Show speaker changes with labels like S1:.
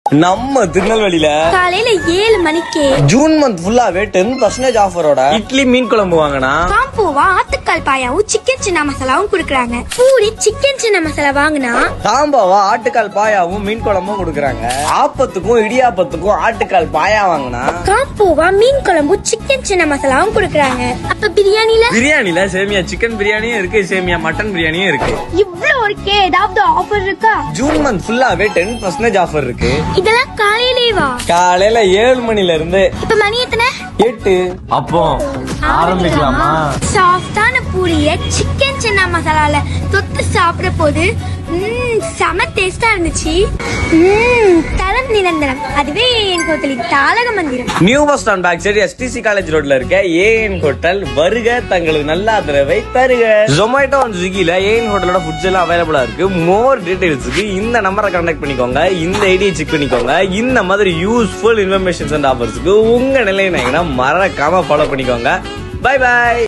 S1: நம்ம திருநெல்வேலியில
S2: காலையில 7 மணிக்கு
S1: ஜூன் மந்த் ஃபுல்லாவே 10% ஆஃபரோட இட்லி மீன் குழம்பு வாங்கினா
S2: காம்போவா ஆட்டுக்கால் பாயாவும் சிக்கன் சின்ன மசாலாவும் குடுக்கறாங்க. பூரி சிக்கன் சின்ன மசாலா வாங்கினா
S1: காம்போவா ஆட்டுக்கால் பாயாவும் மீன் குழம்பும் கொடுக்கறாங்க. ஆப்பத்துக்கும் இடியாப்பத்துக்கும் ஆட்டுக்கால் பாயா வாங்கினா
S2: காம்போவா மீன் குழம்பு சிக்கன் சின்ன மசாலாவும் குடுக்கறாங்க. அப்ப
S1: பிரியாணில சேமியா சிக்கன் பிரியாணியும் இருக்கு, சேமியா மட்டன் பிரியாணியும் இருக்கு.
S2: இவ்ளோ இருக்கே, ஏதாவது ஆஃபர் இருக்கா?
S1: ஜூன் மந்த் ஃபுல்லாவே 10% ஆஃபர் இருக்கு.
S2: இதெல்லாம் காலையிலேவா?
S1: காலையில 7 மணில இருந்து.
S2: இப்ப மணி எத்தனை?
S1: 8. அப்போ ஆரம்பிக்கலாமா?
S2: சாஃப்டான பூரிய சிக்கன் சின்ன மசாலால தொட்டு சாப்பிட போது செம டேஸ்டா இருந்துச்சு. தரம் நிரந்தரம், அதுவே ஏஎன் ஹோட்டலின் தாளக மந்திரம்.
S1: New bus stand back side STC college ரோட்ல இருக்க ஏஎன் ஹோட்டல். வருக, தங்களுக்கு நல்ல ஆதரவை தருக. ஜொமேட்டோ அண்ட் ஸ்விக்கில ஏஎன் ஹோட்டலோட ஃபுட்ஸ் எல்லாம் அவைலபிளா இருக்கு. மோர் டீடைல்ஸ்க்கு இந்த நம்பரை கான்டாக்ட் பண்ணிக்கோங்க, இந்த ஐடியை செக் பண்ணிக்கோங்க. இந்த மாதிரி யூஸ்ஃபுல் இன்ஃபர்மேஷன்ஸ் அண்ட் ஆஃபர்ஸ்க்கு உங்க நிலையினா மறக்காம ஃபாலோ பண்ணிக்கோங்க. Bye by.